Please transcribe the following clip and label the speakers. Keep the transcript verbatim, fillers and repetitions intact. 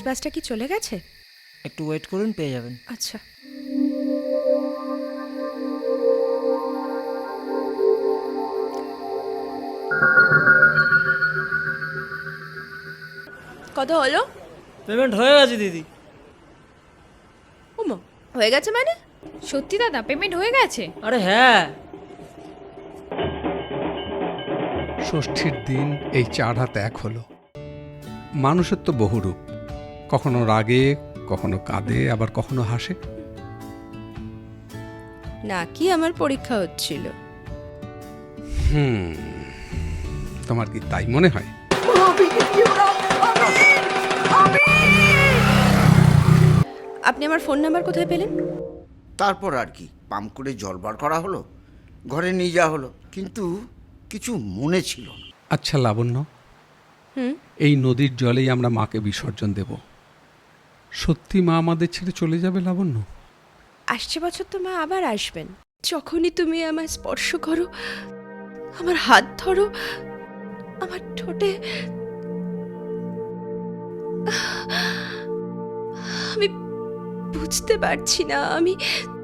Speaker 1: বাসটা কি চলে গেছে?
Speaker 2: একটু ওয়েট করুন, পেয়ে যাবেন।
Speaker 1: আচ্ছা। কত হলো?
Speaker 2: পেমেন্ট হয়ে গেছে দিদি।
Speaker 1: ওমা, হয়ে গেছে মানে?
Speaker 3: সত্যি দাদা, পেমেন্ট হয়ে গেছে?
Speaker 2: আরে হ্যাঁ।
Speaker 4: ষষ্ঠীর দিন এই চার হাত এক হলো। মানুষের তো বহু রূপ, কখনো রাগে, কখনো কাঁদে, আবার কখনো হাসে।
Speaker 1: নাকি আমার পরীক্ষা হচ্ছিল?
Speaker 4: হুম, তোমার কি তাই মনে হয়?
Speaker 1: আপনি আমার ফোন নাম্বার কোথায় পেলেন?
Speaker 5: তারপর আর কি, পাম্প করে জল বার করা হলো, ঘরে নিয়ে যাওয়া হলো, কিন্তু কিছু মনে ছিল না।
Speaker 4: আচ্ছা লাবণ্য,
Speaker 1: হুম।
Speaker 4: এই নদীর জলেই আমরা মাকে বিসর্জন দেব। সত্যি মা আমাদের ছেড়ে চলে যাবে লাবণ্য?
Speaker 1: আসছে বছর তো মা আবার আসবেন। যখনই তুমি আমায় স্পর্শ করো, আমার হাত ধরো, আমার ঠোঁটে, আমি বুঝতে পারছি না আমি